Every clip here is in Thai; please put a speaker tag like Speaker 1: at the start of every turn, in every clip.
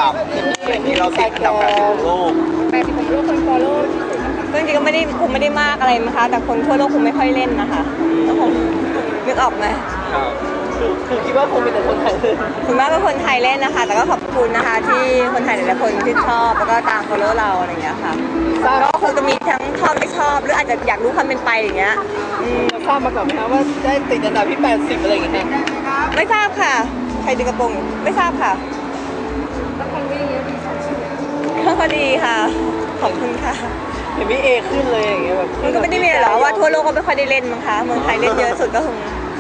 Speaker 1: ดับอย่างนี้เราติดอันดับ80ของโลก
Speaker 2: 80ของโลกคนฟอลโล่ที่สุด
Speaker 3: ก็จริงๆก็ไม่ได้มากอะไรนะคะแต่คนทั่วโลกคงไม่ค่อยเล่นนะคะก็คงนึกออกไหม
Speaker 1: คือคิดว่าคงเป็นแต่คนไทยเลย
Speaker 3: คุณแม่เป็นคนไทยเล่นนะคะแต่ก็ขอบคุณนะคะที่คนไทยหลายๆคนที่ชอบแล้วก็ตาม follow เราอะไรอย่างเงี้ยค่ะก็คงจะมีทั้งชอบไม่ชอบหรืออาจจะอยากรู้ความเป็นไปอย่างเงี้ย
Speaker 1: ทราบมาก่อนไหมคะว่าได้ติดอันดับที่80อะไรอย่างเงี้ย
Speaker 3: ไม่ทราบค่ะใครดึงกระโปรงไม่ทราบค่ะ
Speaker 2: ละครวิ่งเยอะดี
Speaker 3: ก็ดีค่ะขอบคุณค่ะ
Speaker 1: เห็นพี่เอขึ้นเลยอย่างเงี้ยแบบ
Speaker 3: มันก็ไม่ได้มีหรอกว่าทั่วโลกก็ไม่ค่อยได้เล่นมั้งคะเมืองไทยเล่นเยอะสุดก็คง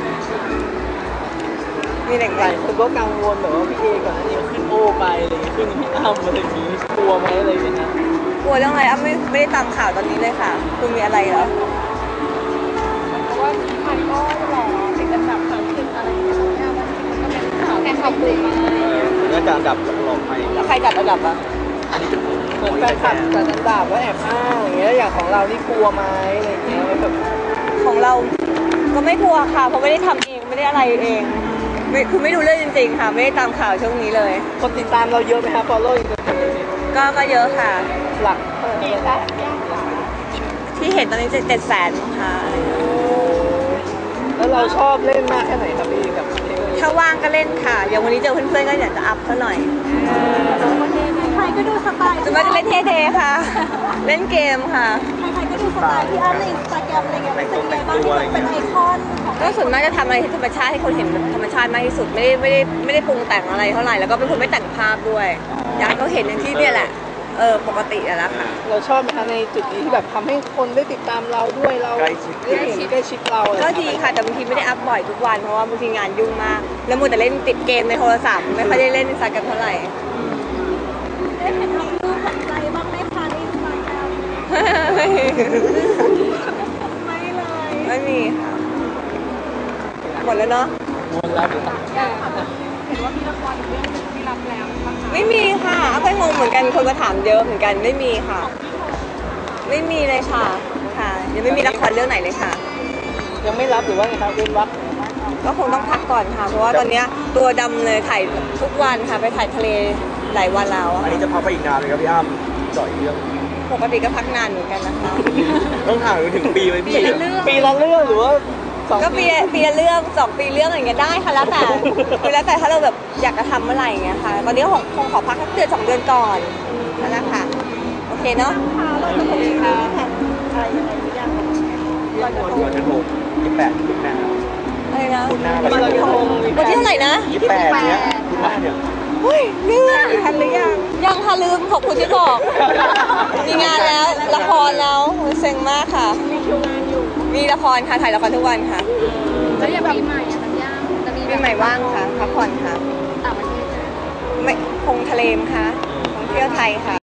Speaker 3: มีหลาย
Speaker 1: คนก็กังวลแบบว่าพี่เอก่อนหน้านี้ขึ้นโอไปอะไรอย่างเงี้ยขึ้นพี่อ้ำอะไรอย่างงี้กลัวไหมอะไรอย่างเงี้ย
Speaker 3: กลัวเรื่องอะไรอ้ำไม่ได้ตามข่าวตอนนี้เลยค่ะคุณมีอะไรเหรอ
Speaker 2: เพราะว่ามันก็หล่อติดอันดับ30อะไรอย่างเงี้ยมันก็เป็นข่าวแค่ข่าวปลุกมา
Speaker 1: น่าจะอันดับหลอกไป
Speaker 3: แล้วใครจัดอันดับอ่ะ
Speaker 1: อันนี้เหมือนแฟนคลับจัดอันดับว่าแอบอ้างอย่างเงี้ยอย่างของเรานี่กลัวไหมอะไรอย่างเงี้ยแบบ
Speaker 3: ของเราก็ไม่กลัวค่ะเพราะไม่ได้ทำเองไม่ได้อะไรเองคือไม่รู้เรื่องจริงๆค่ะไม่ได้ตามข่าวช่วงนี้เลย
Speaker 1: คนติดตามเราเยอะไหมคะ follow
Speaker 3: ก็เยอะค่ะ
Speaker 1: หลัก
Speaker 3: ที่เห็นตอนนี้700,000ค่ะ
Speaker 1: แล้วเราชอบเล่นมากแค่ไหนครับพี่กับ
Speaker 3: ถ้าว่างก็เล่นค่ะอย่างวันนี้เจอเพื่อนๆก็อยากจะอัพซะหน่อย
Speaker 2: ใครก็ดูสไตล์
Speaker 3: จะมาเล่นเท่ๆค่ะเล่นเกมค่ะ
Speaker 2: ใครก็ดูสไตล์ที่อ้ำในอินสตาแกรมอะไรเงี้ยเป็นยังไงบ้างที่เป็นไอคอน
Speaker 3: ก็ส่วนมากจะทำอะไรที่ธรรมชาติให้คนเห็นธรรมชาติมากที่สุดไม่ได้ปรุงแต่งอะไรเท่าไหร่แล้วก็เป็นคนไม่แต่งภาพด้วยอยากก็เห็นอย่างที่เนี่ยแหละปกติแล้วค่ะ
Speaker 1: เราชอบไหมคะในจุดนี้ที่แบบทำให้คนได้ติดตามเราด้วยเราใกล้ชิดเรา
Speaker 3: ก็ดีค่ะแต่บางทีไม่ได้อัพบ่อยทุกวันเพราะว่าบางทีงานยุ่งมากแล้วมัวแต่เล่นติดเกมในโทรศัพท์ไม่ค่อยได้เล่นอินสตาแกรมเท่าไหร่
Speaker 2: ได้เห็นทำรูปหันใจบ้างไหมคะในอินสตาแกรมไม่เลย
Speaker 3: ไม่มีค่ะหมดแล้วเนาะ
Speaker 1: หมดแล้ว
Speaker 2: เห็นว่ามีละครอีกเรื่องนึงที่รับแล้ว
Speaker 3: ไม่มีค่ะอ้ำก็งงเหมือนกันคนมาถามเยอะเหมือนกันไม่มีค่ะไม่มีเลยค่ะยังไม่มีละครเรื่องไหนเลยค่ะ
Speaker 1: ยังไม่รับหรือว่าไงครับเว้นวัก
Speaker 3: ก็คงต้องพักก่อนค่ะเพราะว่าตอนนี้ตัวดำเลยถ่ายทุกวันค่ะไปถ่ายทะเลหลายวันแล้ว
Speaker 1: อันนี้จะพักไปอีกนานเลยครับพี่อ้ำจ่อยเรื่อง
Speaker 3: ปกติก็พักนานเหมือนกันนะคะ
Speaker 1: ต้องห่างถึงปีไหมพี่ปีละเรื่องหรือว่า
Speaker 3: ก็ปีละเรื่อง2 ปีเรื่องอะไรเงี้ยได้ค่ะแล้วแต่ถ้าเราแบบอยากจะทำเมื่อไหร่เงี้ยค่ะตอนนี้คงขอพักสักเดือน2 เดือนก่อนนั่นแหละค่ะโอเคเนาะ
Speaker 2: เราจะมีแผนอะไรยังไงหรือยัง
Speaker 1: เราจะโทร28คุณแม่
Speaker 3: อะไรนะ
Speaker 1: วัน
Speaker 3: ที่เท่าไหร่นะ
Speaker 1: 28เนี้ยคุณแม่เนี่ย
Speaker 3: เฮ้ยเรื่องทันหรือยังค่ะลืมขอบคุณที่บอกมีงานแล้วละครแล้วเซ็งมากค่ะ
Speaker 2: มีคิวงานอยู่
Speaker 3: มีละครค่ะถ่ายละครทุกวันค่ะ
Speaker 2: แล้วอย่างปีใหม่สัญญาจะมี
Speaker 3: ปีใหม่ว่างค่ะพักผ่อนค่ะ
Speaker 2: ต่างประเทศ
Speaker 3: ไม่คงทะเลมค่ะท่องเที่ยวไทยค่ะ